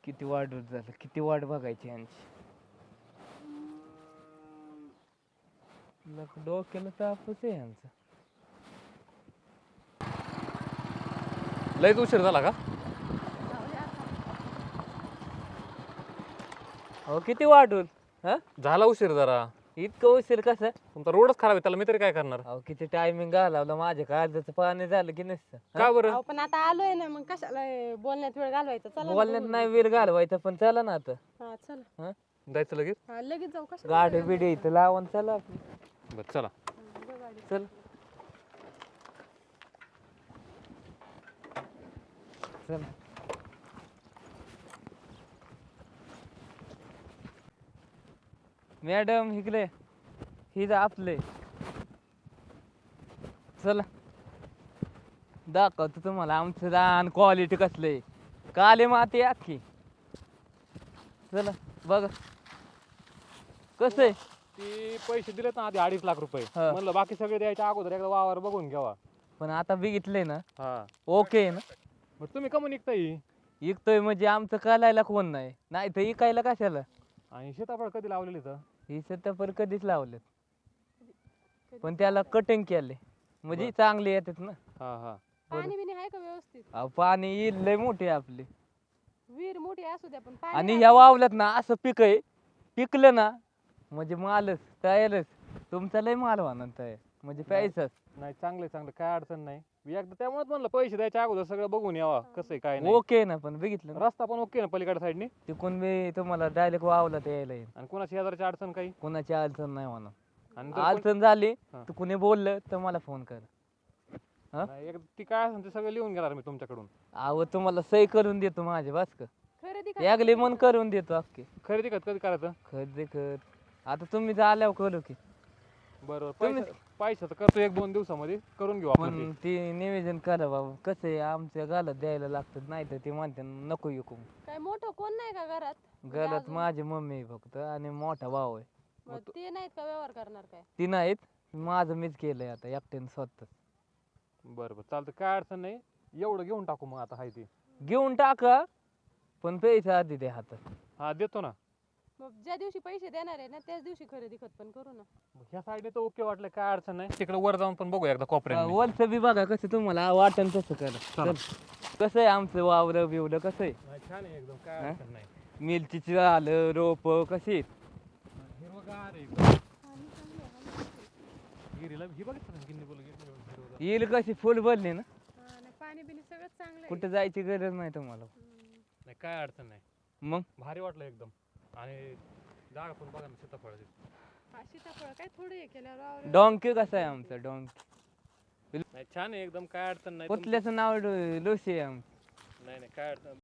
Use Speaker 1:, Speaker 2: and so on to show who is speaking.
Speaker 1: किती वाढ झालं, किती वाट बघायची यांची. डोक्याला तापच आहे यांचा.
Speaker 2: लयच उशीर झाला का?
Speaker 1: हो किती वाढून हा
Speaker 2: झाला उशीर जरा.
Speaker 1: इतकं उशीर कसं.
Speaker 2: तुमचा रोडच खराब आहे, त्याला मी तरी काय करणार?
Speaker 1: अहो किती टायमिंग घालवलं माझ्या काळजाचं पाणी झालं की नसतं.
Speaker 2: का बरं?
Speaker 3: अहो पण आता आलोय ना, मग कशाला बोलण्यात वेळ घालवायचा. चला ना
Speaker 1: बोलण्यात
Speaker 3: बघू.
Speaker 1: नाही वेळ घालवायचा, पण चला ना आता.
Speaker 3: हा चला.
Speaker 1: हा
Speaker 2: जायचं लगेच?
Speaker 3: हा लगेच जाऊ. कशा
Speaker 1: गाडी बिडी इथं लावून चला आपली.
Speaker 2: बरं चला.
Speaker 1: चल चल. मॅडम इकडे ही आपले. चला दाखवतो तुम्हाला आमचं रान क्वालिटी कसले. काले माती अख्खी. चला बघा कसं आहे.
Speaker 2: ती पैसे दिलेत ना आधी 2.5 लाख रुपये.
Speaker 1: हा.
Speaker 2: म्हणलं बाकी सगळे द्यायच्या अगोदर एकदा वावर बघून घ्यावा.
Speaker 1: पण आता बघितलंय ना.
Speaker 2: हा.
Speaker 1: ओके आहे ना.
Speaker 2: मग तुम्ही कमून निघताय?
Speaker 1: इकतोय म्हणजे आमचं कालायला कोण नाही, नाही तर इकायला कशाला.
Speaker 2: आणि सीताफळ कधी लावलेली तर?
Speaker 1: ही सत्तापर कधीच लावलेत, पण त्याला कटिंग केले म्हणजे चांगले येतात ना.
Speaker 2: हा हा.
Speaker 3: पाणी बिणी आहे का व्यवस्थित?
Speaker 1: अहो, पाणी येईल लय मोठे आपले.
Speaker 3: विहीर मोठी असू द्या पण पाणी
Speaker 1: आणि
Speaker 3: आहे.
Speaker 1: ह्या वावल्यात ना असं पीक आहे, पिकलं ना म्हणजे मालच तयारच. तुमचा लय माल होणार तयार म्हणजे पैसाच.
Speaker 2: नाही चांगले चांगले, काय अडचण नाही. मी एकदा त्यामुळेच म्हणलं पैसे द्यायच्या अगोदर सगळं बघून यावा कसं आहे काय नाही.
Speaker 1: ओके ना, पण बघितलं ना
Speaker 2: रस्ता पण ओके ना पलीकडे साईडनी?
Speaker 1: तिकून मी तुम्हाला डायरेक्ट वावला यायला येईल.
Speaker 2: आणि कोणाची शेजारची अडचण काही?
Speaker 1: कोणाची अडचण नाही होणार.
Speaker 2: आणि जर कोण-
Speaker 1: अडचण झाली
Speaker 2: हा.
Speaker 1: तर कुणी बोललं तर मला फोन कर.
Speaker 2: नाही, ती काय असेल ते सगळं लिहून घेणार मी तुमच्याकडून.
Speaker 1: अहो तुम्हाला सही करून देतो माझे बस का.
Speaker 3: खरेदी
Speaker 1: यागली मन करून देतो अख्खे.
Speaker 2: खरेदी कधी करायचं?
Speaker 1: खरेदी कर आता तुम्ही आल्यावर करू की.
Speaker 2: बरोबर.
Speaker 1: तुम्ही-
Speaker 2: पैशाचं करतो 1-2 दिवसामध्ये करून घेऊ आपण
Speaker 1: पण ते निवेदन करा बाबा. कसं आहे आमच्या गालात द्यायला लागतात, नाही तर ते म्हणते नको विकू.
Speaker 3: काय मोठं कोण नाही का घरात?
Speaker 1: गालात
Speaker 3: अजून?
Speaker 1: माझी मम्मी आहे फक्त आणि मोठा भाऊ आहे.
Speaker 3: मग ते नाहीत का व्यवहार करणार काय?
Speaker 1: ती नाहीत, माझं मीच केलंय आता एकट्याने स्वतः.
Speaker 2: बरं बरं चालतं, काय अडचण नाही. एवढं घेऊन टाकू मग आता हाय ते.
Speaker 1: घेऊन टाका, पण पैसे आधी द्या हातात.
Speaker 2: हा देतो ना.
Speaker 3: मग ज्या दिवशी पैसे देणार आहे ना त्याच दिवशी खरेदी खत पण करू ना.
Speaker 2: ह्या साईडने तर ओके वाटलं, काय अडचण नाही. तिकडे वर जाऊन पण बघू एकदा कोपऱ्यात.
Speaker 1: वरचं बी बघा कसं तुम्हाला वाटण तसं करा.
Speaker 2: चला.
Speaker 1: चल. कसं आहे आमचं वावर बिवलं कसं आहे.
Speaker 2: छान आहे एकदम, काय
Speaker 1: हा?
Speaker 2: अडचण नाही.
Speaker 1: मिरचीचं आलं रोप कशी आहेत.
Speaker 2: हिरवगार आहे एकदम. गिरीला ही बघितलं ना, गिन्नी बोल हिरवगार.
Speaker 1: येईल कशी फुल भरली ना.
Speaker 3: पाणी बिणी सगळं चांगलं आहे.
Speaker 1: कुठं जायची गरज नाही तुम्हाला.
Speaker 2: नाही काय अडचण नाही.
Speaker 1: मग
Speaker 2: भारी वाटलं एकदम. आणि जागा पण बघा ना सीताफळाची.
Speaker 3: हा, सीताफळ काय थोडे हे केल्यावर वावर-
Speaker 1: डोंकी कसं आहे आमचं डोंकी.
Speaker 2: नाही छान आहे एकदम, काय अडचण नाही.
Speaker 1: कुठल्याचं नाव लोशी आहे आमचं.
Speaker 2: नाही नाही काय अडचण